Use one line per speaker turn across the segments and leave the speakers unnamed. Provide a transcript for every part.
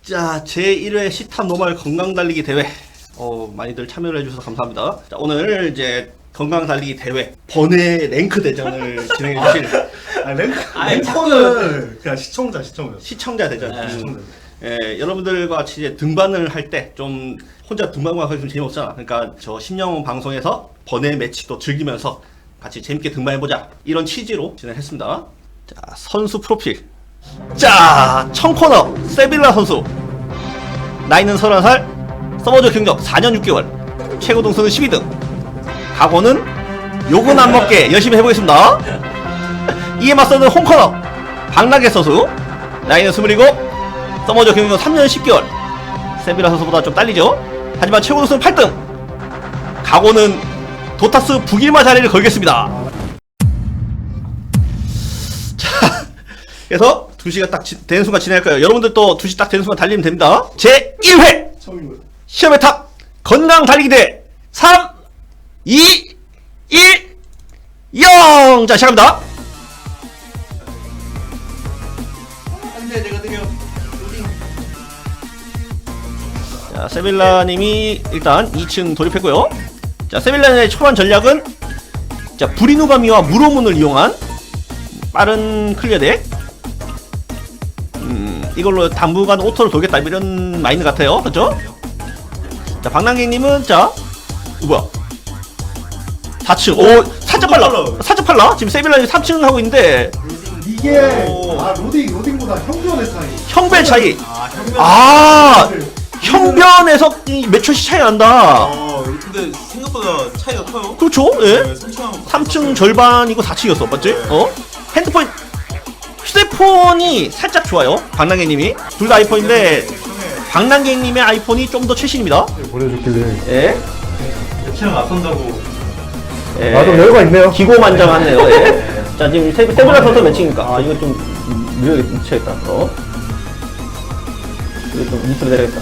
자, 제1회 시탑 노말 건강달리기 대회. 많이들 참여를 해주셔서 감사합니다. 자, 오늘 이제 건강달리기 대회 번외 랭크 대전을 진행해주실
랭커는 그냥 시청자.
시청자 대전.
네, 시청자.
여러분들과 같이 이제 등반을 할 때 좀 혼자 등반만 하기 좀 재미없잖아. 그러니까 저 심령 방송에서 번외 매치도 즐기면서 같이 재밌게 등반해보자. 이런 취지로 진행했습니다. 자, 선수 프로필. 자, 청코너 세빌라 선수. 나이는 31살, 서머저 경력 4년 6개월, 최고 등수는 12등. 각오는 욕은 안 먹게 열심히 해보겠습니다. 이에 맞서는 홈코너 박나게 선수. 나이는 27, 서머저 경력 3년 10개월. 세빌라 선수보다 좀 딸리죠. 하지만 최고 등수는 8등. 각오는 도타스 북일마 자리를 걸겠습니다. 자, 그래서 2시가 딱 되는 순간 진행할 거예요. 여러분들도 2시 딱 되는 순간 달리면 됩니다. 제 1회 시험의 탑 건강 달리기 대회 3, 2, 1, 0. 자, 시작합니다. 안돼, 내가 느려. 자, 세빌라님이 일단 2층 돌입했고요. 자, 세빌라님의 초반 전략은 자, 브리누가미와 무로문을 이용한 빠른 클리어 덱. 이걸로 당분간 오토를 돌겠다 이런 마인드 같아요. 그렇죠? 자, 박남객님은 자, 뭐야? 4층. 오, 살짝 빨라. 지금 세빌라님 3층 하고 있는데
이게 로딩보다 형변의 차이.
형변 차이. 형변에서 이 몇 초씩 차이 난다.
근데 생각보다 차이가 커요.
그렇죠? 예.
네,
3층 절반이고 4층이었어. 맞지? 핸드폰 휴대폰이 살짝 좋아요. 박남객님이 둘 다 아이폰인데 박남객님의 아이폰이 좀 더 최신입니다.
보내줬길래.
예.
매치랑 앞선다고.
예.
나도 여유가 있네요.
기고만장하네요. 예. 자, 지금 세빌라 선수 매칭이니까 이거 좀 미쳐야겠다. 이거 좀 밑으로 내려야겠다.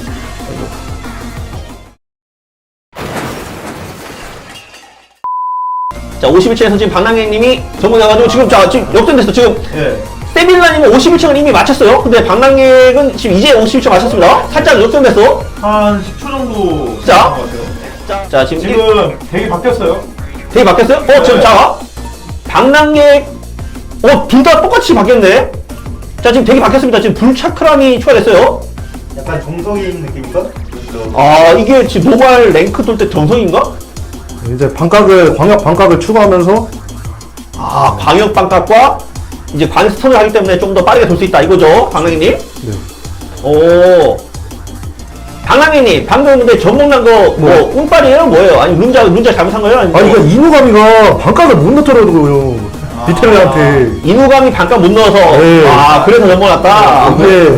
자, 51층에서 지금 박남객님이 전부 나가지고 지금 역전됐어. 지금
예.
세빌라님은 51층을 이미 맞췄어요. 근데 박남객은 지금 이제 51층 맞췄습니다. 살짝 역전됐어.
한 10초 정도.
자.
것 같아요.
자, 지금
되게 바뀌었어요.
되게 바뀌었어요? 지금 자, 박남객 둘 다 똑같이 바뀌었네. 자, 지금 되게 바뀌었습니다. 지금 불차크람이 추가됐어요.
약간 정석인 느낌인가?
이게 지금 노말 랭크 돌 때 정성인가?
이제 광역 반각을 추가하면서
광역 반각과 이제 관스턴을 하기 때문에 좀 더 빠르게 돌 수 있다 이거죠, 박남객님?
네.
박남객님 방금 근데 전목난 거 운빨이에요? 뭐예요? 아니 룬자 잘못한 거예요? 아니
이거 이누가미가 반각을 못 넣더라고요. 비텔레한테.
이누감이 반각 못 넣어서
네.
그래서 넘어갔다.
네.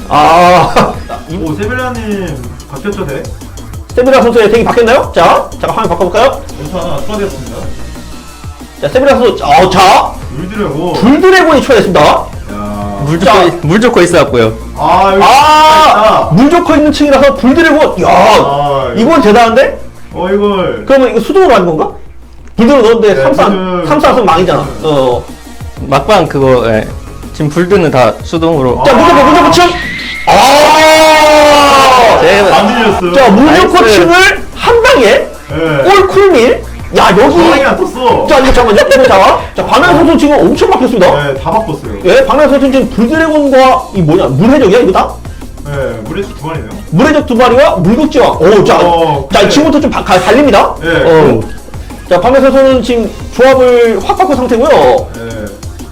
오, 세빌라님 바뀌었죠, 대?
세빌라 선수의 덱이 바뀌었나요? 자, 잠깐 화면 바꿔볼까요?
괜찮아, 추가되었습니다.
자, 세빌라 선수, 자,
물드래고.
불드래곤이 추가됐습니다.
야.
물 좋고 있어갖고요.
여기
물 좋고 있는 층이라서 불드래곤, 이건 대단한데?
이걸.
그러면 이거 수동으로 하는 건가? 불드로 넣었는데
네,
삼삼 망이잖아.
막방 그거 지금 불드는 다 수동으로.
자, 물 좋고 층!
안 들렸어요.
자, 물 좋고
나이스.
층을 한 방에
네.
올쿨밀? 야, 여기.
방향이 안 떴어.
자, 이거 잠깐만요. 이거 자, 박나래 선수 지금 엄청 바뀌었습니다.
네, 다 바꿨어요.
예, 박나래 선수 지금 불드래곤과 이 뭐냐, 물해적이야, 이거 다?
네, 물에서 두 마리네요.
물해적 두 마리와 물국지왕. 자,
그래.
지금부터 좀 갈립니다.
네.
자, 박나래 선수는 지금 조합을 확 바꾼 상태고요.
네.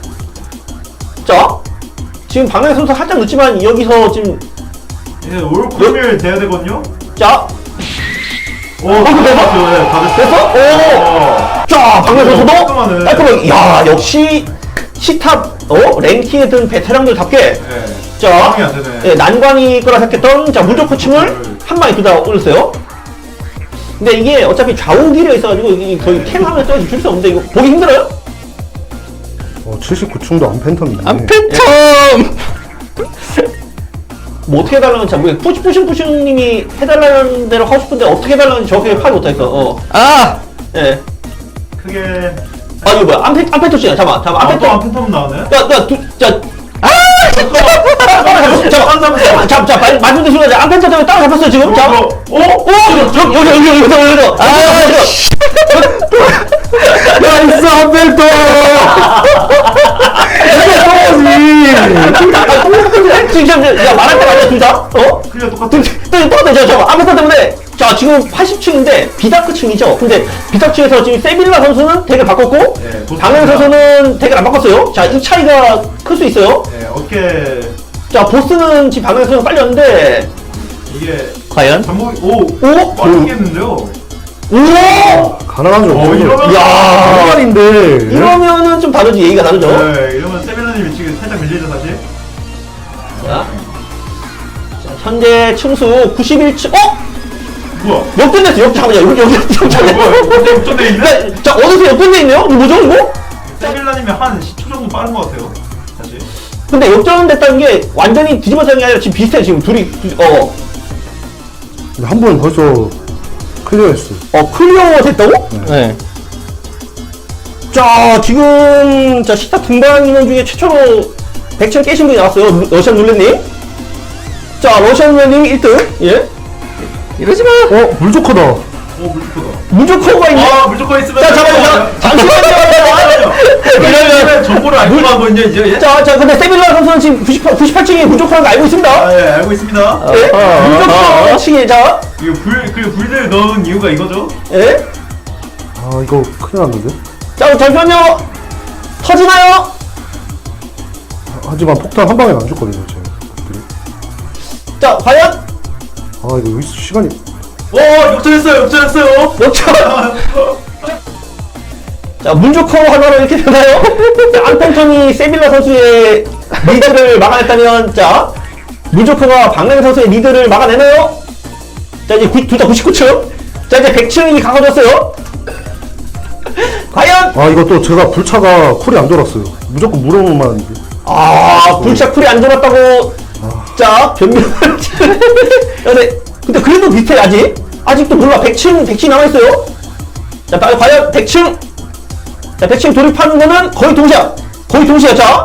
자, 지금 박나래 선수 살짝 늦지만 여기서 지금,
이제 올쿨밀 돼야 되거든요?
자,
됐어? 네, 다 됐어.
됐어? 자, 박나래 선수도
깔끔하네.
깔끔하게, 야, 역시 시탑, 랭킹에 든 베테랑들답게.
네.
자,
방이 안 되네.
예, 난관이 거라 생각했던 자 물조 코칭을 한 방에 둘 다 올렸어요. 근데 이게 어차피 좌우 길에 있어가지고 이게 거의 캠하면 떨어지 줄 수 없는데 이거 보기 힘들어요?
79층도 안 팬텀이네.
안 팬텀.
뭐 어떻게 해달라는 잘 모르겠어. 푸싱님이 해달라는 대로 하고 싶은데 어떻게 해달라는지 정확하게 파악이 못하겠어. 예.
크게.
이거 뭐야? 안페토씨야. 잠깐만.
또 팬텀 나오네?
자,
자, 말씀드린 순간 암펜터 때문에 따라잡혔어요, 지금. 자, 여기.
나이스 한벨터
지금, 야, 말할 때 맞아, 둘 다?
그냥 똑같아.
똑같아, 저, 암펜터 때문에. 자, 지금 80층인데, 비다크층이죠. 근데, 비다크층에서 지금 세빌라 선수는 덱을 바꿨고,
네,
방현 선수는 덱을 안 바꿨어요. 자, 이 차이가 클 수 있어요.
네, 어떻게
자, 보스는 지금 방현 선수가 빨리 왔는데,
이게
과연?
잠복이
오?
빠르겠는데요?
오!
가능하죠
이러면
야 말인데
이러면은 좀 다르지, 얘기가 다르죠.
네, 이러면 세빌라님이 지금 살짝 밀리죠 사실.
자, 현재 층수 91층,
뭐야?
역전됐어, 잠깐만요. 여기 역전됐어.
뭐야? 근데 역전돼 있네?
자, 어느새 역전돼 있네요? 이거 뭐죠, 이거?
세빌라님이 한 10초 정도 빠른 것 같아요. 사실.
근데 역전됐다는 게 완전히 뒤집어진 게 아니라 지금 비슷해, 지금 둘이,
한 번 벌써 클리어했어
클리어 됐다고?
네.
자, 지금, 자, 식탁 등반 인원 중에 최초로 100층 깨신 분이 나왔어요. 러시안 룰렛님. 자, 러시안 룰렛님 1등. 예.
이러지 마.
물조커다
물조커다.
무조커가 있네.
물조커 있으면.
자, 잠시만요.
그러면 정보를 알고 간 거냐 이제?
자, 근데 세빌라 선수는 지금 98층이 무조건인 거 알고 있습니다.
아, 예, 알고 있습니다.
예? 무조건층이, 자,
이거 불들 넣은 이유가 이거죠?
예?
아 이거 큰일 났는데
자, 잠시만요. 터지나요?
하지만 폭탄 한 방에 안 줬거든요 제가
자, 과연?
아 이거 여기 시간이
역전했어요.
역전! 자, 문조커 하나로 이렇게 되나요? 자, 안펜턴이 세빌라 선수의 리드를 막아냈다면, 자, 문조커가 박랭 선수의 리드를 막아내나요? 자, 이제 둘 다 99층. 자, 이제 100층이 가까워졌어요. 과연?
아 이거 또 제가 불차가 쿨이 안 돌았어요 무조건 물어보면
불차 쿨이 안 돌았다고. 자, 변명을. 근데 그래도 비슷해, 아직. 아직도 몰라. 100층 남아있어요. 자, 과연 100층. 자, 100층 돌입하는 거는 거의 동시야. 자,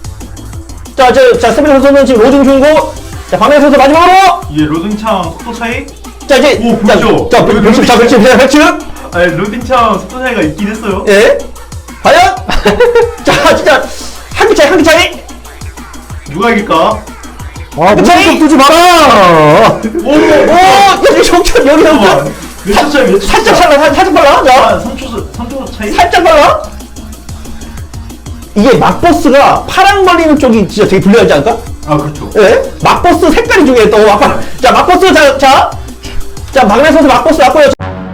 세빌라 선수는 지금 로딩 중이고, 자, 박명희 선수 마지막으로!
이게 로딩창 속도 차이?
자, 이제.
오, 보죠.
자, 100층.
아니, 로딩창 속도 차이가 있긴 했어요.
예? 과연? 자, 진짜. 한 개 차이.
누가 이길까?
아 물조커 뜨지 마라
여기 정천, 여기 정천.
몇초 차이, 몇 초?
살짝 빨라. 자.
3초 차이?
살짝 빨라. 이게 막버스가 파랑 걸리는 쪽이 진짜 되게 불리하지 않을까?
아, 그렇죠.
예? 막버스 색깔이 중요해 또. 자, 막버스 자, 박래 선수 막버스 왔고요.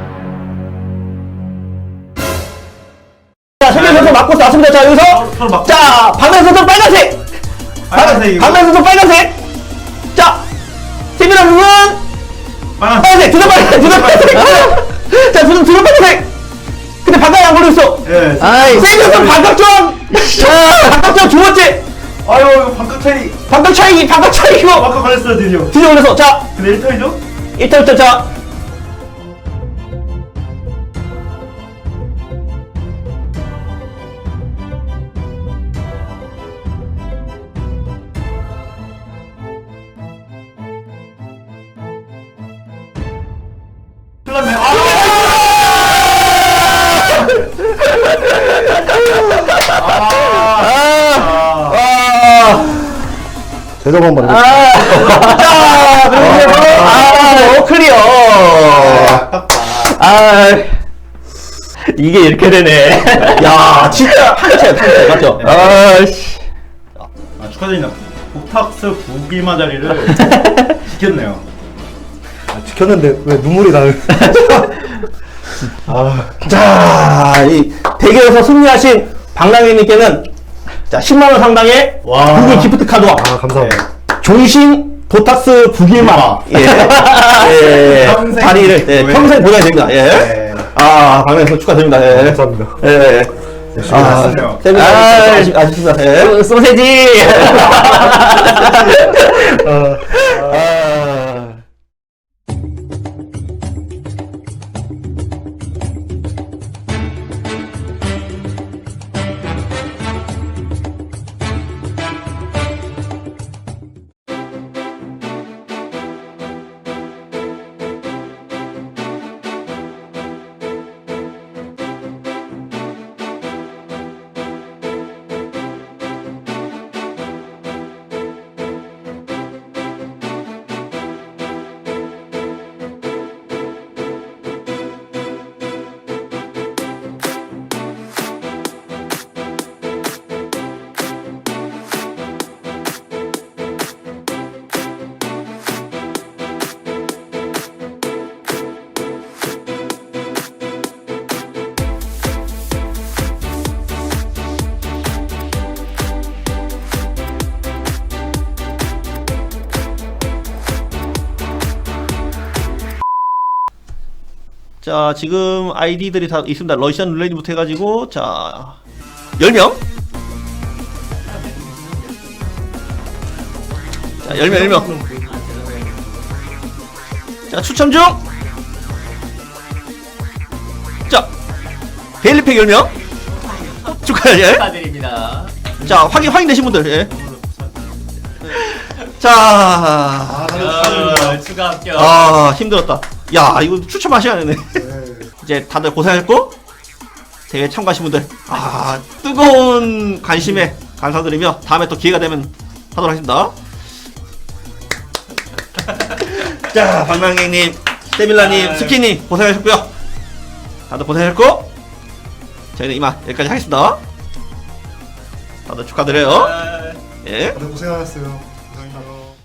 자, 세계 선수 막버스 왔습니다. 자, 여기서
서로 막.
자, 박래 선수 빨간색.
빨간색이고.
박래 선수 빨간색. 자, 세빈아 선수는 빨간색. 두점 빨간색. 자, 두점 빨간색. 근데 바닥에 안 걸렸어.
예.
아이,
세빈 선수 반각점. 반각점 두 번째.
아유, 이거 반각 차이.
반각 차이 이거.
아까 걸렸어요, 드디어.
드디어 걸려서. 자,
근데 1타이죠?
1타 자.
큰일 났네.
대답 한번 해볼게요
자, 그리고 클리어.
이게 이렇게 되네.
야, 진짜 한 채 맞죠?
아씨.
축하드립니다. 복탁스 9기마 자리를 지켰네요.
지켰는데 왜 눈물이 나요
자, 이 대결에서 승리하신 박랑희님께는 자 10만원 상당의
와.
구글 기프트 카드와
감사합니다
종신 보탁스 9기마
평생
자리를 평생 보내야 됩니다. 예.
네.
박랑희 선수 축하드립니다. 예.
감사합니다
예.
맞습니다.
아쉽습니다. 예.
소세지.
자, 지금 아이디들이 다 있습니다. 러시안 룰렛부터 해가지고, 자, 10명. 자, 10명. 자, 추첨 중! 자, 데일리팩 10명. 축하해요.
축하드립니다.
자, 확인되신 분들, 예. 자,
추가 합격.
아, 힘들었다. 야, 이거 추첨하셔야 되네. 이제 다들 고생하셨고, 대회 참가하신 분들, 아, 뜨거운 관심에 감사드리며, 다음에 또 기회가 되면 하도록 하겠습니다. 자, 박명객님, 세빌라님, 스키님, 고생하셨고요. 다들 고생하셨고, 저희는 이만 여기까지 하겠습니다. 다들 축하드려요. 예.
다들 고생하셨어요. 감사합니다.